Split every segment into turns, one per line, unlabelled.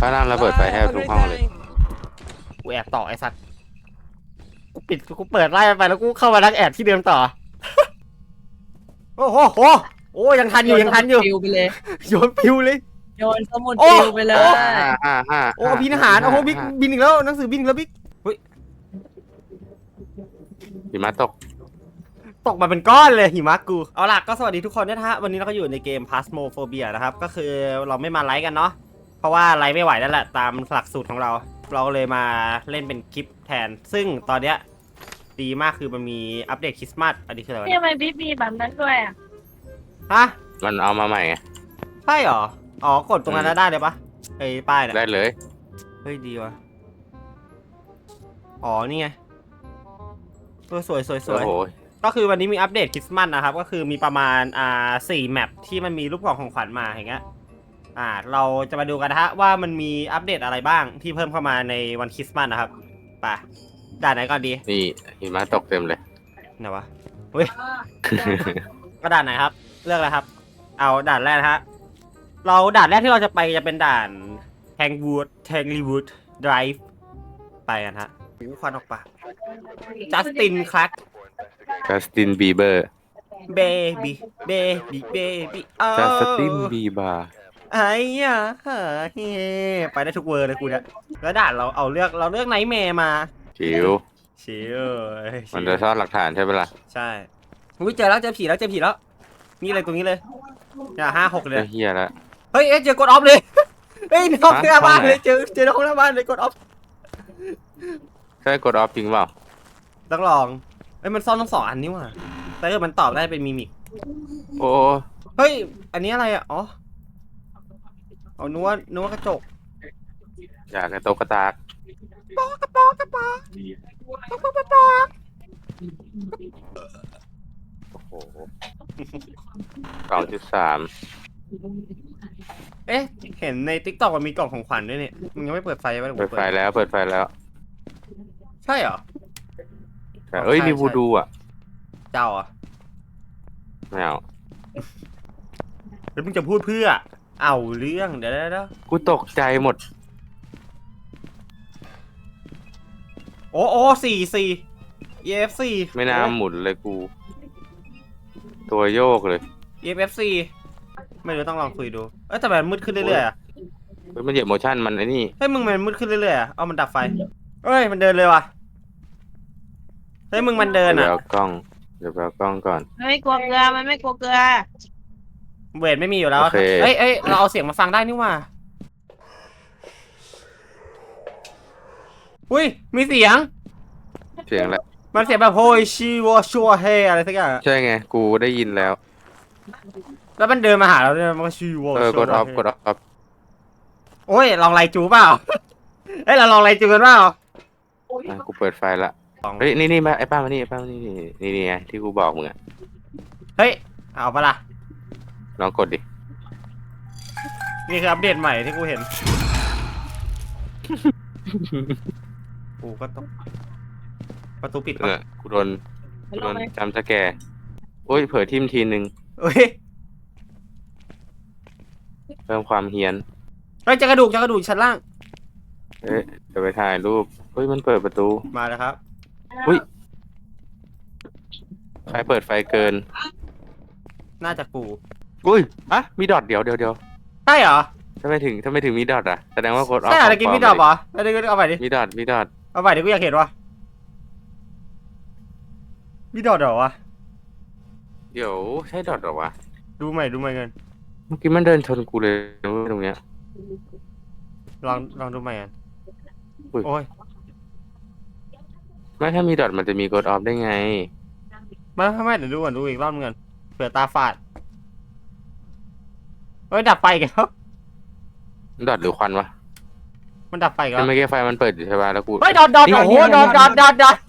ข้างล่างระเบิดไฟแทบทุกห้องเลย
กูแอบต่อไอ้สัตว์กูปิดกูเปิดไล่ไปแล้วกูเข้ามานักแอบที่เดิมต่อโอ้โหโอ้ยังทันอยู่ยังทันอยู่
ปิวไปเลย
โยนปิวเลย
โยนสมุดปิวไปเลย
โอ้บินอาหารโอ้โหบิ๊กบินอีกแล้วหนังสือบินอีกแล้วบิ๊ก
หิมะตก
ตกมาเป็นก้อนเลยหิมะกูเอาล่ะก็สวัสดีทุกคนนะฮะวันนี้เราก็อยู่ในเกม Phasmophobia นะครับก็คือเราไม่มาไลฟ์กันเนาะเพราะว่าไลฟ์ไม่ไหวนั่นแหละตามหลักสูตรของเราก็เลยมาเล่นเป็นคลิปแทนซึ่งตอนเนี้ยดีมากคือมันมีอัปเดตคริสต์มาสอันนี้คืออะไร
ทำไมบิ๊กมีแบบนั้นด้วยอ่ะ
ฮะ
มันเอามาใหม่ไง
ใช่หรออ๋อกดตรงนั้นได้เลยปะไอ้ป้ายเนี่ย
ได้เลย
เฮ้ยดีว่ะอ๋อนี่ไงสวย
โอ้โห
ก็คือวันนี้มีอัปเดตคริสต์มาสนะครับก็คือมีประมาณ4แมปที่มันมีรูปของขวัญมาอย่างเงี้ยเราจะมาดูกันนะฮะว่ามันมีอัปเดตอะไรบ้างที่เพิ่มเข้ามาในวันคริสต์มาสนะครับไปด่านไหนก่อนดี
นี่หิมะตกเต็มเลย
ไหนวะเฮ้ย ก็ด่านไหนครับเลือกเลยครับเอาด่านแรกนะฮะเราด่านแรกที่เราจะไปจะเป็นด่านแทงลีวูดไดรฟ์ไปกันฮะมีควันออกปากจัสตินคลัก
จัสตินบีเบอร์
เบบี้
จัสตินบีบาร์
ไอ้ยะไปได้ทุกเวอร์เลยกูเนี่ยแล้วด่านเราเลือกไนท์แมร์มา
จิ๋ว
ชิล
มันจะซ่อนหลักฐานใช่ไหมล่ะ
ใช่อุ้ยเจอผีแล้วนี่เลยตรงนี้เลย5-6เลย
เฮียแล้ว
เฮ้ยเจอกดออฟเลยเฮ้ยน้องหน้าบ้านเลยเจอน้องหน้าบ้านเลยกดออฟ
ใช่กดออฟจริงเปล่า
ต้องลองเฮ้ยมันซ่อนทั้ง2 อันนี่ว่ะแต่มันตอบได้เป็นมิมิก
โอ้
เฮ้ยอันนี้อะไรอ่ะอ๋อเอานัวกระจก
อยากกระโตกกระตากโอ้โห2.3
เอ๊ะเห็นใน TikTok มันมีกล่องของขวัญด้วยเนี่ยมึงยังไม่เปิดไฟไว้
เปิดไฟแล้ว
ใช่เหรอ
เอ้ยมีวูดูอ่ะ
เจ้าอ่ะ
ไม่เอา
แล้วมึงจะพูดเพื่อเอาเรื่องเดี๋ยว
กูตกใจหมด
โอ้4 EFC
ไม่น่าหมุนเลยกู ตัวโยกเลย
EFC ไม่รู้ต้องลองคุยดูแต่มันมืดขึ้นเรื่อยๆอ่ะ
มันเหยียบโมชั่นมันไอ้นี่
เฮ้ยมึงมันมืดขึ้นเรื่อยๆอ่ะเอามันดับไฟเฮ้ยมันเดินเลยว่ะเฮ้ยมึงมันเดินอ่ะ
เดี๋ยวเอากล้องก่อน
มันไม่กลัวเกลือมันไม่กลัวเกลือ
เวทไม่มีอยู่แล้ว
โอเค
เอ้ยเราเอาเสียงมาฟังได้นี่ว่าอุ้ยมีเสียง
เสียงแล้ว
มันเสียงแบบโฮยชิวชัวเฮอะไรสักอย่าง
ใช่ไงกูได้ยินแล้ว
แล้วมันเดินมาหาเราเนี่ยมันชิว
กดออฟ
โอ้ยลองไลจูเปล่าเฮ้ยเราลองไลจูกันเปล่า
กูเปิดไฟละเฮ้ยนี่มาไอ้ป้ามานี่นี่ไงที่กูบอกมึงอะ
เฮ้ยเอาปะล่ะ
ลองกดดิ
นี่คืออัปเดตใหม่ที่กูเห็นกูก็ต้องประตูปิดปะ
กูโดนจำสแกร์โอ้ยเผลอทิมทีนึง
เฮ้ย
เพิ่มความเฮี้ยน
เฮ้ยเจะกระดูกชั้นล่าง
เอ๊ะจะไปถ่ายรูปเฮ้ยมันเปิดประตู
มาแล้วครับ
อุ้ยใครเปิดไฟเกิน
น่าจะกู
อุ้ยอะมีดอทเดี๋ยว
ใช่เหรอ
ทำไมถึงมีดอทอะแสดงว่ากดออฟ
ใช่เหรอกินมีดอกเหรอเอาไปดิ
มีดอท
เอาไปดิกูอยากเห็นวะมีดอกเหรอวะ
เดี๋ยวใช่ดอทเหรอวะ
ดูใหม่กัน
เมื่อกี้มันเดินชนกูเลยตรงเนี้ย
ลองดูใหม่กัน
อุ้ย
โอ้ย
ไม่ถ้ามีดอทมันจะมีกดออฟได้ไง
ไม่เดี๋ยวดูก่อนดูอีกรอบนึงก่อนเผื่อตาฝาดเฮ้ยดับไฟอีกันครับ
ดอทหรือควันวะ
มันดับไฟอีกัน
แต่เมื่อกี้ไฟมันเปิดอยู่ใช่ป่ะแล้วกู
เฮ้ยดอทโอ้โหดอท
ดอ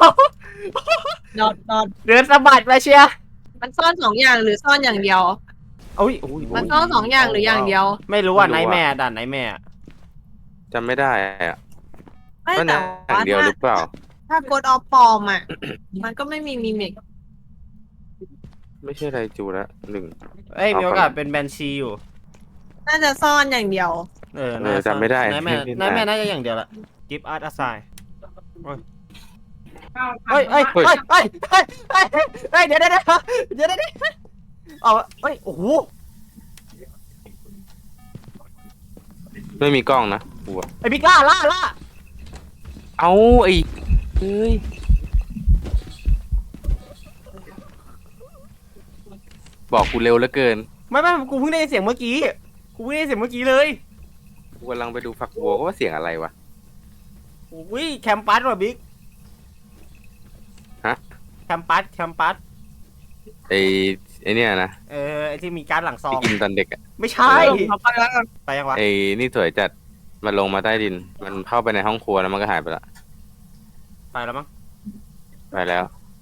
ด
เดินสะบัดไปเชีย
มันซ่อน2 อย่างหรือซ่อนอย่างเดียว
อุ้ย
มันซ่อน2 อย่างหรืออย่างเดียว
ไม่รู้อ่ะไนท์แม่ด่านไนท์แม่
จำไม่ได้อะ
ไม่
ว่า
แต่
หนั
ว่าง
เดียวหรือเปล่า
ถ้ากดออฟปลอมอ่ะ มันก็ไม่มีมิมิก
ไม่ใช่ไรจูละ1
เอ้ยมีโอกาสเป็นแบนชีอยู่
น่าจะซ่อนอย่างเดียว
จำไม่ได้
นายแม่น่าจะอย่างเดียวละ give us a sign เฮ้ยเดี๋ยวเอาเฮ้ยโอ้โห
ไม่มีกล้องนะกูอะ
ไอ้บิ๊กล่า
เอาไอ้เฮ้ยบอกกูเร็วเหลือเกิน
ไม่กูเพิ่งได้ยินเสียงเมื่อกี้เลย
กูกำลังไปดูฝักบัวก็ว่าเสียงอะไรวะ
อุ้ยแคมปัสว่ะบิ๊ก
ฮะ
แคมปัส
ไอ้เนี่ยนะ
ไอ้ที่มีการ์ดหลังซอ
ที่
ง
กินตอนเด็กอะ
ไม่ใช่
เขาไปแล้วกัน
ไปยังวะ
ไอ้นี่สวยจัดมันลงมาใต้ดิน มันเข้าไปในห้องครัวแล้วมันก็หายไปละ
ไปแล้วมั้ง
ไปแล้ว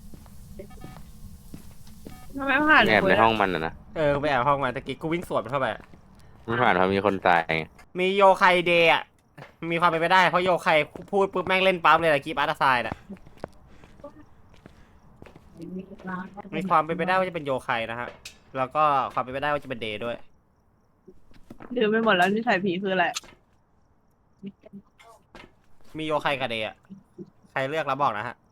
ทำไมผ่าน
แอบในห้องมันนะ
ไปแอบห้องมาตะกี้กูวิ่งสวนมันเข้าไป
ไม่ผ่านเพราะมีคนตายไง
มีโยไคเดย์อ่ะมีความเป็นไปได้เพราะโยไคพูดปุ๊บแม่งเล่นปั๊บเลยแหละกีบอาร์ตไซด์อ่ะมีความเป็นไปได้ว่าจะเป็นโยไคนะฮะแล้วก็ความเป็นไปได้ว่าจะเป็นเดย์ด้วย
ลืมไปหมดแล้วที่ใส่ผีคืออะไร
มีโยไคกับเดย์อ่ะใครเลือกแล้วบอกนะฮะ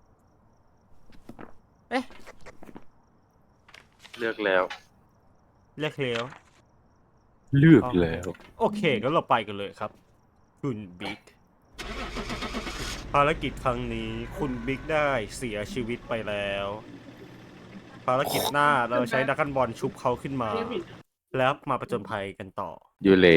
เลือกแล้ว
เลือกแล้ว
เลือกแล้ว
โอเคงั้นเราไปกันเลยครับ คุณบิ๊กภารกิจครั้งนี้คุณบิ๊กได้เสียชีวิตไปแล้ว ภารกิจหน้าเราใช้ดักกันบอลชุบเขาขึ้นมา แล้วมาประจนภัยกันต่อ
ยูเล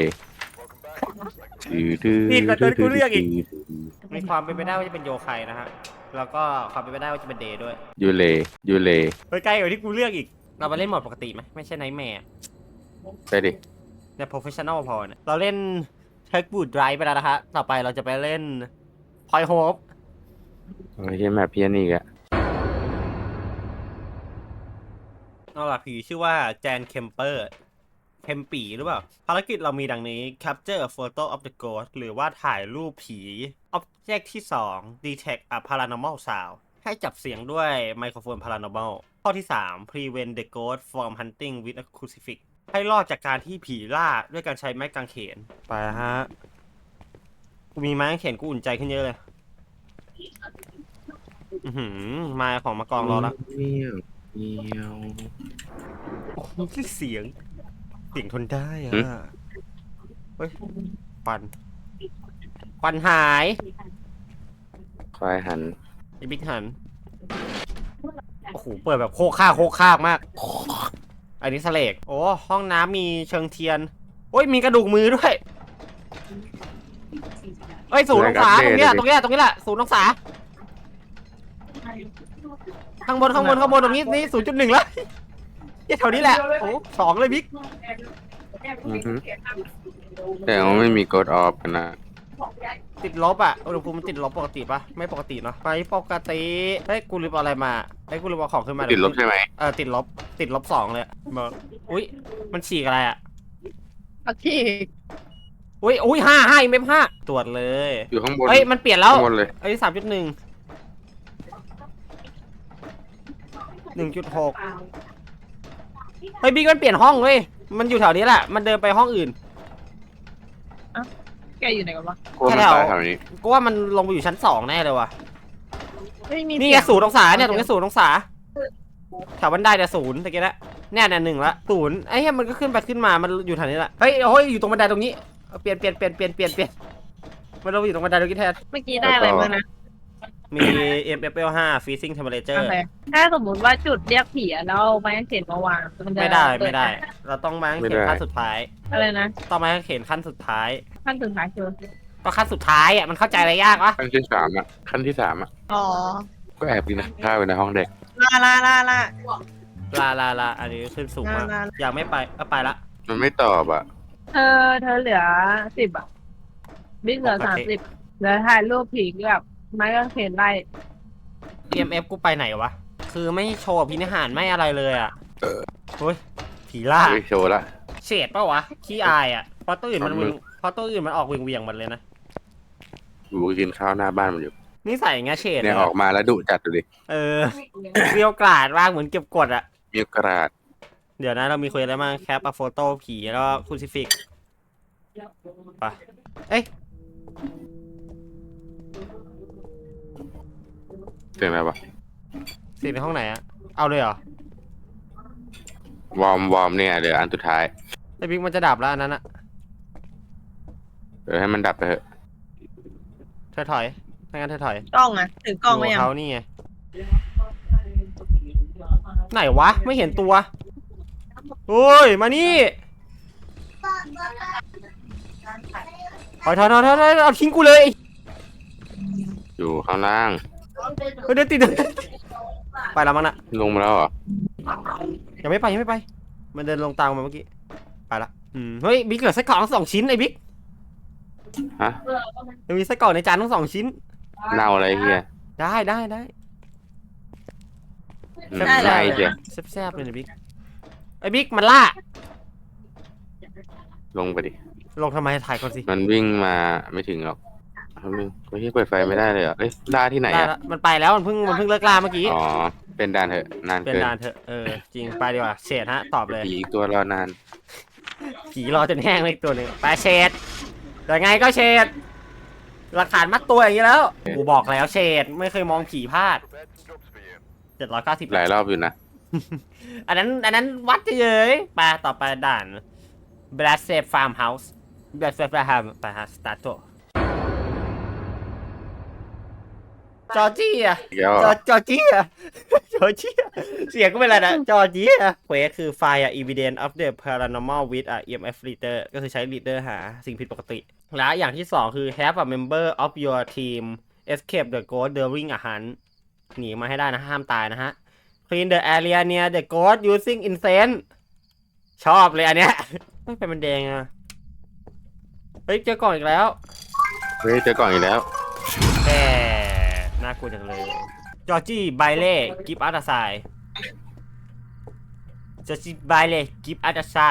ผิดกว่าตัวที่กูเลือกอีก มีความเป็นไปได้ว่าจะเป็นโยไคนะฮะแล้วก็ความเป็นไปได้ว่าจะเป็นเดย์ด้วย
ยูเล
เฮ้ยใกล้กว่าที่กูเลือกอีกเราไปเล่นโหมดปกติไหมไม่ใช่ไนท์แมร์
ไปดิ
เนี่ย professional พอเนี่ยเราเล่นเทคบูดไดรฟ์ไปแล้วนะฮะต่อไปเราจะไปเล่นพอยโฮป
ไม่ใช่แมปเพี้ยนอีกอะ
เอาล่ะผีชื่อว่าแจนเคมเปอร์เคมปีหรือเปล่า ภารกิจเรามีดังนี้ capture a photo of the ghost หรือว่าถ่ายรูปผี object ที่ 2 detect a paranormal sound ให้จับเสียงด้วยไมโครโฟน paranormal ข้อที่ 3 prevent the ghost from hunting with a crucifix ให้รอดจากการที่ผีล่าด้วยการใช้ไม้กางเขน ไปฮะ กูมีไม้กางเขนกูอุ่นใจขึ้นเยอะเลย มาของมากองรอแล้ว
เมียวเมียว
โอ้โหเสียงทนได้อ่ะ เฮ้ยควันหาย
ควายหัน
ไอ้บิ๊กหัน โอ้โห เปิดแบบโคกข้ากมาก อันนี้สเลกโอ้ห้องน้ำมีเชิงเทียน โอ้ย มีกระดูกมือด้วย เอ้ย0 องศาตรงนี้แหละ0 องศาข้างบนตรงนี้นี่ 0.1 แล้วแถวนี้แหละ โอ้2เลยบิ๊ก
แต่ว่าไม่มีกดออฟกันนะ
ติดลบอ่ะอุณหภูมิมันติดลบปกติปะไม่ปกติเนาะไปปกติเฮ้ยกูลืมเอาอะไรมากูลืมเอาของขึ้นมา
ติดลบใช่ไหม
ติดลบ2เลยมาอุ้ยมันฉีกอะไรอ่ะ
ปักขี้
อุ้ย5เมม5ตรวจเลย
อยู่ข้างบน
เฮ้ยมันเปลี่ยนแล้ว
ข้างบนเลย
3.1 1.6เฮ้ยบิ๊กมันเปลี่ยนห้องเว้ยมันอยู่แถวนี้แหละมันเดินไปห้องอื่น
แกอยู่ไหนกันวะ
กลัวมันตายแถวนี้
กูว่ามันลงไปอยู่ชั้น2แน่เลยว่ะ
ไม่มี
นี่ไง0 องศาเนี่ยตรงนี้0 องศาแถวบันไดเนี่ย0ตะกี้ละเนี่ย1 ละ0ไอ้เหี้ยมันก็ขึ้นไปขึ้นมามันอยู่แถวนี้แหละเฮ้ยอยู่ตรงบันไดตรงนี้เปลี่ยนมันลงอยู่ตรงบันไดตรงนี้แทน
เมื่อกี้ได้อะไรมานะ
มี MFL 5 freezing temperature
โอเคถ้าสมมติว่าจุดเรียกผีอะแล้วเอาไม้กางเขนมาวางมันจะ
ไม่ได้
เปิ
เราต้องมาเข็นขั้นสุดท้าย
อะไรนะ
ต้องมาเข็นขั้นสุดท้าย
ขั้นสุดท้ายคือ
ก็ขั้นสุดท้ายอ่ะมันเข้าใจอะไรยากวะ
ขั้นที่3อ่ะขั้นที่3อ่ะ
อ๋อ
ก็แอบกินข้าวอยู่ในห้องเด็ก
ลา
ลาอันนี้ขึ้นสูงมาก
ลา
อยากไม่ไปก็ไปละ
มันไม่ตอบอ่ะ
เธอเหลือ10อะบิ๊กเหลือ30เหลือถ่ายรูปผีกับไม้กางเขนไล่
EMF กูไปไหนวะคือไม่โชว์พินิหารไม่อะไรเลยอ่ะเฮ้ยผีล่า
เฮ้ยโชว์ละ
เฉดปะวะขี้อายอ่ะเพราะตัวอื่นมันออกเวียงๆมันเลยนะ
กูกินข้าวหน้าบ้านมันอยู่
นี่ใส่อย่างเงี้ยเฉด
เนี่ยออกมาแล้วดุจัดดูดิ
เกลียวกราดมากเหมือนเก็บกดอ่ะ
มีกระดาษ
เดี๋ยวนะเรามีคุยอะไรบ้างแคปอะโฟโต้ผีแล้วก็คูซิฟิกไปเอ้ย
เสียงอะไรวะ
เสียงในห้องไหนอะเอาเลยเหรอ
วอร์มเนี่ยเดี๋ยวอันสุดท้าย
ไอ้บิ๊กมันจะดับแล้วอันนั้นอะ
เดี๋ยวให้มันดับไปเถอะ
เธอถอยไม่งั้นเธอถอย
กล้องอะถือกล้องมา
ยู่
ยั
กับ
ง
เขานี่ไงไหนวะไม่เห็นตัวโอ้ยมานี่ถอยเอาทิ้งกูเลย
อยู่ข้างล่าง
เฮ้ยเดินติดไปแล้วมั้งน่ะ
ลงมาแล้วเหรอ
ยังไม่ไปมันเดินลงตามมาเมื่อกี้ไปละเฮ้ยบิ๊กเหลือไส้กรอกทั้ง2 ชิ้นไอ้บิ๊ก
ฮะ
ยังมีไส้กรอกในจานทั้ง2 ชิ้น
เน่าอะไรเฮีย
ได้
ใช่เจ้ะ
แซ่บๆเลยนะบิ๊กไอ้บิ๊กมันล่า
ลงไปดิ
ลงทำไมถ่ายก่อนสิ
มันวิ่งมาไม่ถึงหรอกไม่ใช่เปิดไฟไม่ได้เลยเหรอเอ้ยล่าที่ไหน
ได้
อ่ะ
แล้วมันไปแล้วมันเพิ่งเลิกล่าเมื่อกี้
อ๋อเป็นด่านเถอะนาน
เป็น
เกิน
นานเถอะจริงไปดีกว่าเฉดฮะตอบเลย
ผีอีกตัวรอนาน
ผีรอจนแห้งเลยอีกตัวหนึ่งไปเฉดยังไงก็เฉดหลักฐานมัดตัวอย่างนี้แล้วกูบอกแล้วเฉดไม่เคยมองผีพลาด790
หลายรอบอยู่นะ
อันนั้นวัดเฉยๆไปต่อไปด่าน Blast Safe Farmhouse Blast Safe Farm ไปฮะสตาร์ทจอร์เจีย
เดี๋ยว
จอร์เจีย เสียงก็เป็นอะไรนะจอร์เจียเควสคือ Find evidence of the paranormal with a EMF reader ก็คือใช้ reader หาสิ่งผิดปกติ และอย่างที่ 2 คือ have a member of your team escape the ghost during a hunt หนีมาให้ได้นะห้ามตายนะฮะ clean the area near the ghost using incense ชอบเลยอันเนี้ยไม่เป็นมันแดงอ่ะเฮ้ยเจอกล่องอีกแล้ว
เฮ้ยเจอก่อนอีกแล้ว
แหมน่ากลัวจังเลยจอร์จี้ไบเล่กิฟต์อัตไซจอร์จี้ไบเล่กิฟต์อัตไซ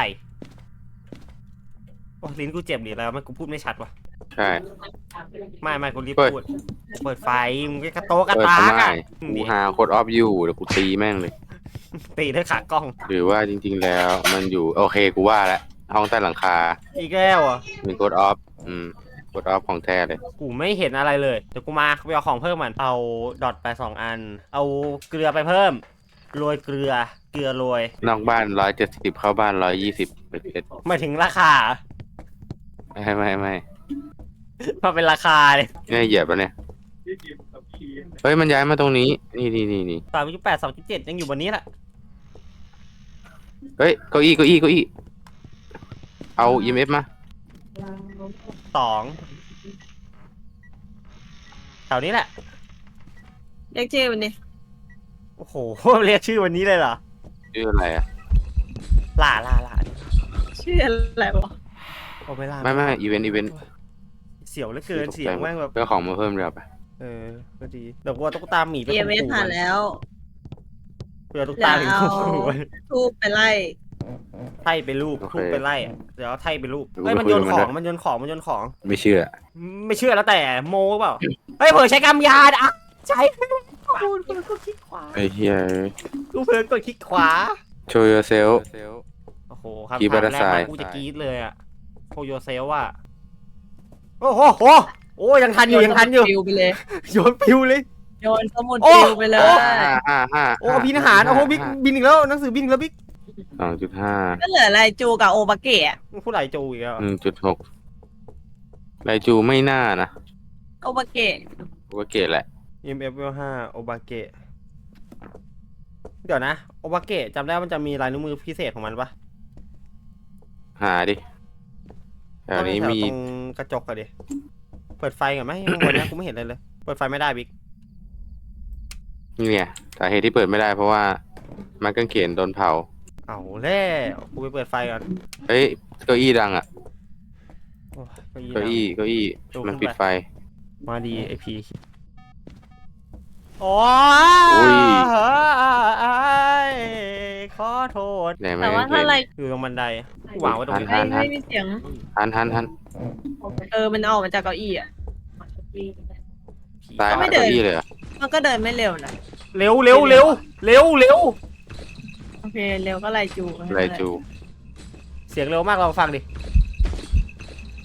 โอ้ลิ้นกูเจ็บหรืออะไรวะมันกูพูดไม่ชัดวะ
ใช่
ไม่กูรีบ
เปิด
พูดเปิดไฟมึงก็กระโตกกระ
เปิด
ตา
ทำ
ก
ไม
อะ
กูหาโคดออฟยูเดี๋ยวกูตีแม่งเลย
ตีด้วยขากล้อง
หรือว่าจริงๆแล้วมันอยู่โอเคกูว่าแล้วห้องใต้หลังคา
อีกแล้วอ่ะ
มีโคดออฟโคดออฟของแท้เลย
กูไม่เห็นอะไรเลยเดี๋ยวกูมาไปเอาของเพิ่มมันเอาดอทไป2 อัน เอาเกลือไปเพิ่มโรยเกลือโรย
นอกบ้าน170เข้าบ้าน120ไปเพชร
หมายถึงราคา
ไม่
มาเป็นราคาเลย
นี่เหยียบแล้วเนี่ยเฮ้ยมันย้ายมาตรงนี้นี่
3.8 2.7ยังอยู่บนนี้แหละ
เฮ้ยเก้าอี้เอา EMF มา
2แถวนี้แหละ
เรียกชื่อมันดิ
โอ้โห เรียกชื่อวันนี้เลยเหรอ
ชื่ออะไรอ่ะ
ล่า
ชื่ออะไรวะ
โอ้ไม่ล่า
ไม่อีเวนต์
เสียวเหลือเกินเสียงแม่งแบบ
เพื่อของมาเพิ่มเดี๋ยวไป
ก็ดีเดี๋ยวกูเอาตุ๊กตาหมีไป
เอ
ข่ม
เม
ขู่
ผ่านแล้ว
เพื่อตุ๊กตาหมีข่มขู่
ทูบไปไล่
ไถ่ไปรูปทูบไปไล่อะเดี๋ยวเอาไถ่ไปรูป
ดู
เฮ้ย
ไป
มัน
คุย
โยน
กับ
ข
มัน
อง
ด้วย
มันโยนของ
ไม่เชื่อ
ไม่เชื่อแล้วแต่โมเปล่าเฮ้ยเผลอใช้กำยานอ่ะใช้กูเผลอกดคลิกขวา
ไอ้เหี้ย
กูเผลอกดคลิกขวา
show yourself
โอ้โหครับ
Keep
ถาม
it
แรกมา
aside
กูจะกรี๊ดเลยอะโคโยเซลอะโอ้โหโอ้ยังทันอยู่
ปิวไปเลย
โยนปิวเลย
โยนสมุด
โอ้
ปิวไปเลย
ห้า
โอ้บินอาหารโอ้โหบิ๊กบินอีกแล้วหนังสือบินอีกแล้วบิ๊ก
2.5
ก็เหลืออะไรจูกับโอบาเกะ
ผู้ไหลโจอีกแล้ว
1.6ไรจูไม่น่านะ
โอบาเกะ
กูก็เกตแหละ
EMF 5โอบาเกะเดี๋ยวนะโอบาเกะจำได้ว่ามันจะมีลายนิ้วมือพิเศษของมันปะ
หาดิแถวนี้มี
ตรงกระจกอะดิเปิดไฟก่อนไหมข้างบนนะกูไม่เห็นเลยเปิดไฟไม่ได้บิ๊ก
นี่ไงสาเหตุที่เปิดไม่ได้เพราะว่าไม้กางเขนโดนเผา
เอาแล้วกูไปเปิดไฟก่อน
เฮ้ยเก้าอี้ดังอ่ะ
โอ้ย
เก้าอี้
ดูขึ้นไป
มันปิดไฟ
มาดีไอพีโอ้
อุ้ย
ขอโทษ
ไหนไม้
แต่ว่าก
างเข
ถ้าน อะไร
อยู่ตรงบันไดวางไว้ตรงนี้
ทัน
ไม่มีเสียง
หัน
มันออกมาจากเก้าอี้อ่ะ
ตาย
ไม่
มา
เดิน
เก้าอี้เลยเหรอ
มันก็เดินไม่เร็วนะ
เร็ว
โอเคเร็วก็ไล่จู
ไรจู
เสียงเร็วมากลองฟังดิ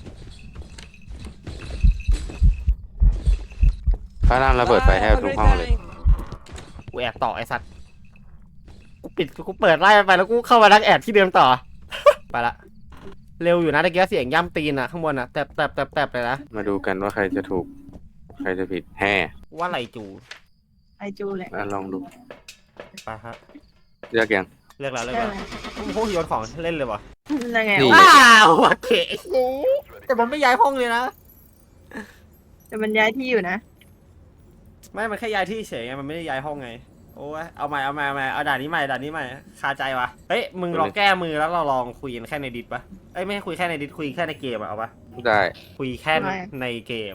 พระรามระเบิดไฟแทบทุกห้องเลย
กูแอบต่อไอ้สัตว์กูเปิดไล่ไปแล้วกูเข้ามาดักแอบที่เดิมต่อ ไปละเร็วอยู่นะตะเกียเสียงย่ำตีนอะข้างบนอะแตบเลยนะ
มาดูกันว่าใครจะถูก ใครจะผิดแห่
ว่าไรจู
ไอจูแหละ
ลองดู
ไปฮะ
เลือกยัง
เลือกแล้ว
ใช่ไหม
โอ้โหโยนของเล่นเลยวะ
ยังไง
นี่
วะ
ว้าวโอเคแต่มันไม่ย้ายห้องเลยนะ
แต่มันย้ายที่อยู่นะ
ไม่มันแค่ย้ายที่เฉยไงมันไม่ได้ย้ายห้องไงโอ้ยเอาใหม่เอาด่านนี้ใหม่คาใจวะเฮ้ยมึงลองแก้มือแล้วเราลองคุยกันแค่ในดิสปะเอ้ยไม่ให้คุยแค่ในดิสคุยแค่ในเกมอะเอาปะ
ได้
คุยแค่ในเกม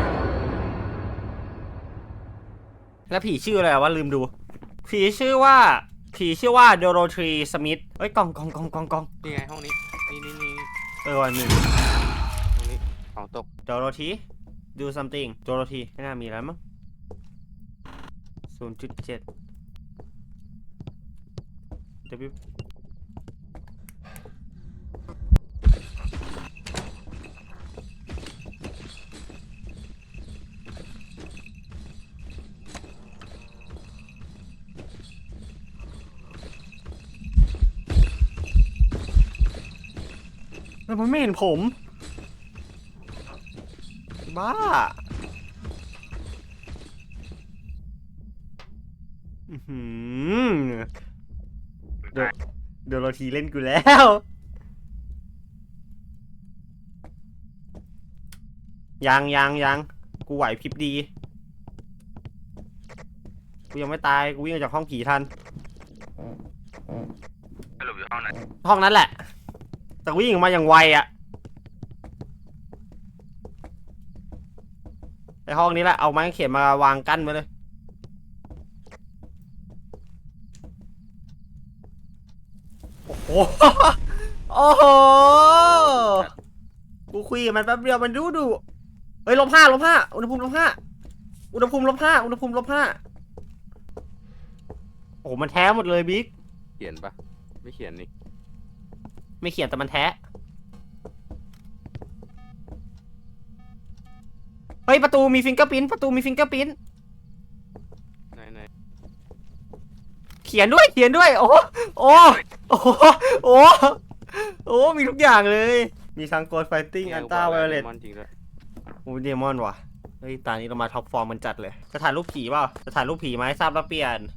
แล้วผีชื่ออะไรวะลืมดู ผีชื่อว่าโดโรธีสมิธเอ้ยกล่อง
นี่ไงห้องนี้ นี่
วันหนึ่ง
ห้องนี้ของตก
โดโรธี do something โดโรธีไม่น่ามีแล้วมั้ง 0.7 W แล้วมันไม่เห็นผม บ้า เดี๋ยวเราทีเล่นกูแล้ว ยังกูไหวพริบดี กูยังไม่ตาย กูวิ่งออกจากห้องผีทัน
สรุปอยู่ห้องไหน
ห้องนั้นแหละ แต่วิ่งออกมาอย่างไวอะไอห้องนี้แหละ เอาไม้เขียนมาวางกั้นไว้เลย โอ้โห โอ้โห กูคุยกับมันแป๊บเดียวมันดูเฮ้ยลบห้าอุณหภูมิลบห้าโอ้โหมันแท้หมดเลยบิ๊ก
เขียนปะไม่เขียนนี่
ไม่เขียนแต่มันแท้เฮ้ยประตูมีฟิงเกอร์พิ้น
ไหน
เขียนด้วยโอ้โอ้มีทุกอย่างเลยมีทั้งโกดไฟติ้งอันต้าไวโอเลต
จริงด้วย
โอ้เดมอนว่ะเฮ้ยตอนนี้เรามาท็อปฟอร์มมันจัดเลยจะถ่ายรูปผีเปล่าจะถ่ายรูปผีไหมทราบแล้วเปลี่ยน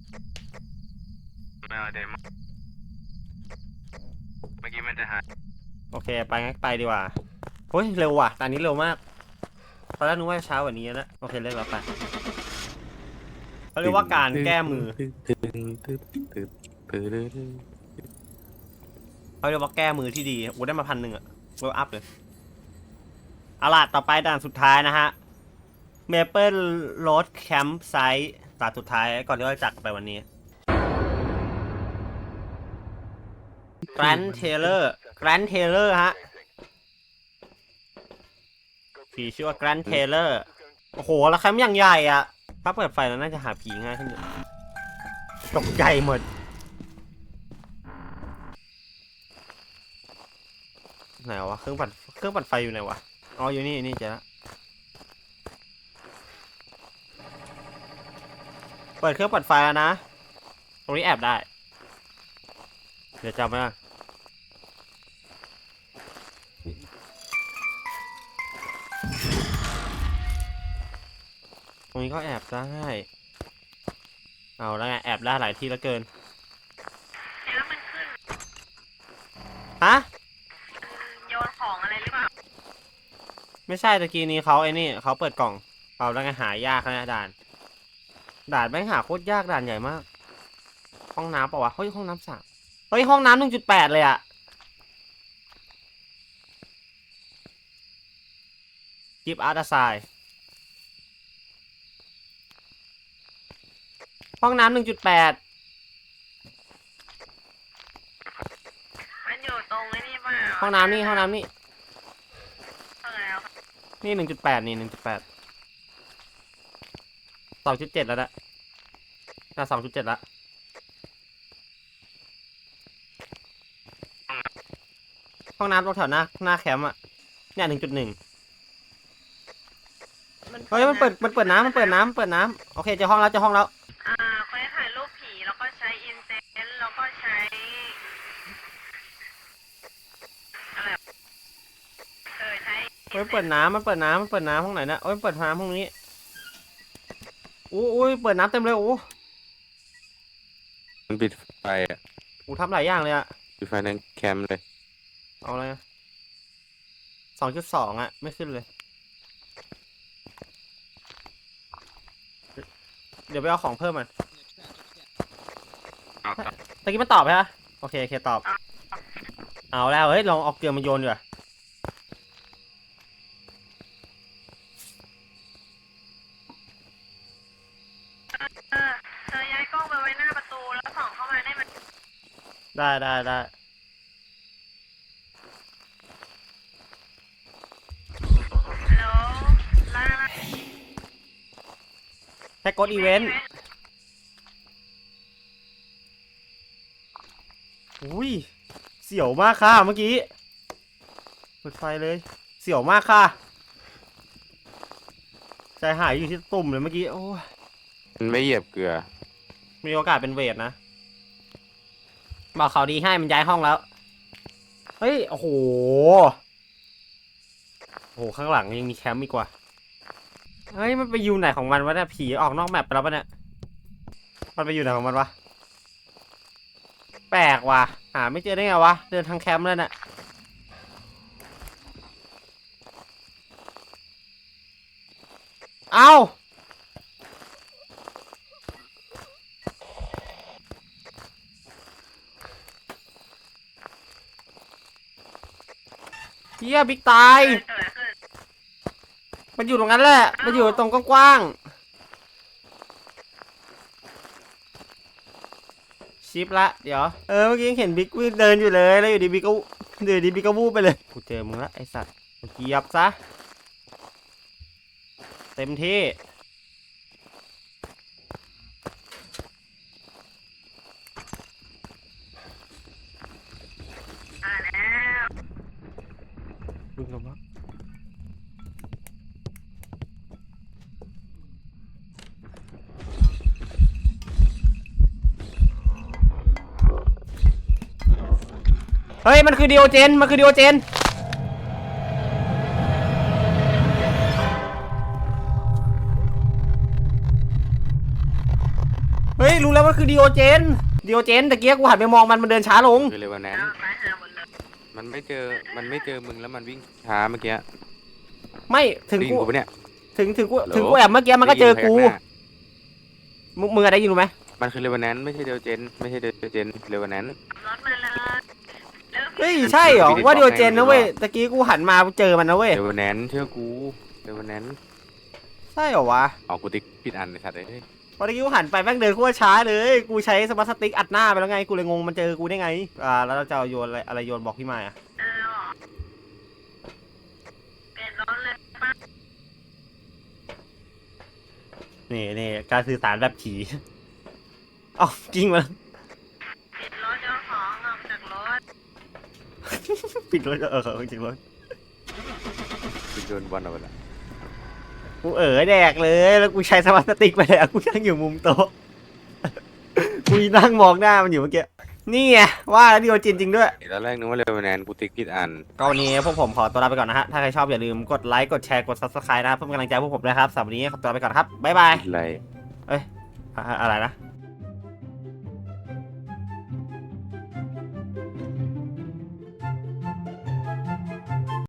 ไม่เอาเดมอนเมื่อกี้มันจะหาย
โอเคไปงั้นไปดีกว่าเฮ้ยเร็วว่ะตอนนี้เร็วมากตอนแรกนึกว่าเช้ากว่านี้นะโอเคเลิกแล้วไปเขาเรียกว่าการแก้มือเขาเรียกว่าแก้มือที่ดีโอ้ได้มา1,000อะเวลอัพเลยเอาล่ะต่อไปด่านสุดท้ายนะฮะ Maple Road Campsite ด่านสุดท้ายก่อนที่เราจะจากไปวันนี้ Grand Taylor ฮะผีชื่อว่า Grand Taylor โอ้โหแล้วแคมป์อย่างใหญ่อ่ะถ้าเปิดไฟแล้วน่าจะหาผีง่ายขึ้นเยอะตกใจหมดไหนวะเครื่องปั่นไฟอยู่ไหนวะอ๋ออยู่นี่เจอละเปิดเครื่องปั่นไฟแล้วนะตรงนี้แอบได้เดี๋ยวจำไว้นะตรงนี้ก็แอบได้เอาแล้วไงแอบได้หลายที่แล้วเกินแล้วมันขึ้นฮะ
โยนของอะไรหรือเปล่า
ไม่ใช่ตะกี้นี้เขาเขาเปิดกล่องเอาแล้วไงหายากนะด่านแม่งหาโคตรยากด่านใหญ่มากห้องน้ำเปล่าวะเฮ้ยห้องน้ำสระเฮ้ยห้องน้ำ 1.8 เลยอะกิฟต์อาร์ตไซด์ห้องน้ำ 1.8
มันอยู่ตรงนี้เปล่า
ห้องน้ำนี่
ตรงไหนอ่ะ
นี่ 1.8 นี่ 1.8 2.7 แล้วนะน่า 2.7 แล้วห้องน้ำตรงแถวหน้าแคมป์อ่ะเนี่ย 1.1 เฮ้ยมันเปิดน้ำโอเคเจอห้องแล้ว
เขาให้ถ่ายรูปผีแล้วก็ใช้อินเซนแล้วก็ใช้อะไรใช้
เฮ้ยเปิดน้ำห้องไหนนะเอ้ยเปิดน้ำห้องนี้อู้ยเปิดน้ำเต็มเลยโอ้
มันปิดไฟอ่ะ
ทำหลายอย่างเลยอะ
ปิดไฟในแคมป์เลย
เอาอะไร2.2อะไม่ขึ้นเลยเดี๋ยวไปเอาของเพิ่มมันตะกี้มันตอบใช่ไหมโอเคตอบเอาแล้วเฮ้ยลองเอาเกลือมาโยนดีกว่า
เธอย้ายกล้องไปไว้หน้าประตูแล้วส่องเข้ามาได้ไหม
ได้
ฮัลโหลลา
แค่กดอีเวนต์อุ้ยเสียวมากค่ะเมื่อกี้เปิดไฟเลยเสียวมากค่ะใจหายอยู่ที่ตุ่มเลยเมื่อกี้โอ้ย
มันไม่เหยียบเกลือ
มีโอกาสเป็นเวทนะบอกเขาดีให้มันย้ายห้องแล้วเฮ้ยโอ้โหข้างหลังยังมีแคมป์อีกว่าเฮ้ยมันไปอยู่ไหนของมันวะเนี่ยผีออกนอกแมปไปแล้วปะเนี่ยมันไปอยู่ไหนของมันวะแปลกว่ะหาไม่เจอได้ไงวะเดินทางแคมป์แล้วเนี่ยเอ้าเฮียบิ๊กตายมันอยู่ตรงนั้นแหละมันอยู่ตรงกว้างๆชิปละเดี๋ยวเมื่อกี้ยังเห็นบิ๊กวิ่งเดินอยู่เลยแล้วอยู่ดีบิ๊กก็วูบไปเลยกูเจอมึงละไอสัตว์เหยียบซะเต็มที่บึ้งลงมาเฮ้ยมันคือดิโอเจนเฮ้ยรู้แล้วมันคือดิโอเจนตะเกียกูหันไปมองมันเดินช้าลง
คือเลยวันนั้นมันไม่เจอมึงแล้วมันวิ่งช้าเมื่อกี้
ไม่ถึง
ได้ยิ
กู
นกูปะเนี่ย
ถึงกูแอบเมื่อกี้มันก็เจอกู
ได้ยินพยัหน้า
มึงอะไรได้ยินรู้ไหม
มันคือเลวันนั้นไม่ใช่เดลเจนเลวันนั้น
รถมาเลย
เฮ้ยใช่เหรอว่าดิโอเจนนะเว้ยตะกี้กูหันมาเจอมันนะเว้ย
เลวันนั้นเชื่อกูเลวันนั้น
ใช่เหรอวะ
เอากูติ๊กผิดอันเลยสัตว์เลย
พอตะกี้กูหันไปแม่งเดินโคตรช้าเลยกูใช้สมาร์ทสติ๊กอัดหน้าไปแล้วไงกูเลยงงมันเจอกูได้ไงแล้วเราจะเอาโยนอะไรโยนบอกพี่มายอะ
เปลี่ยนรถเลย
นี่การสื่อสารแบบผี เอ้าจริงมัน
ปิดรถเจ้าของออกจากรถ
ปิดรถจริงรถ
กูโดนบอลเอาไปละ
กูแดกเลยแล้วกูใช้สมาร์ทสติ๊กไปแล้วกูนั่งอยู่มุมโต๊ะ กูนั่งมองหน้ามันอยู่เมื่อกี้นี่ไงว่าแล้วดิโอเจนจริงด้วย
ตอนแรกนึกว่าเลวันนั้นกูติ๊กผิดอัน
ก็วันนี้พวกผมขอตัวลาไปก่อนนะฮะ ถ้าใครชอบอย่าลืมกดไลค์กดแชร์กด subscribe นะครับเพื่อเป็นกำลังใจให้พวกผมด้วยครับสำหรับวันนี้ขอตัวลาไปก่อนครับบ๊ายบาย
อะไร
อะไรนะ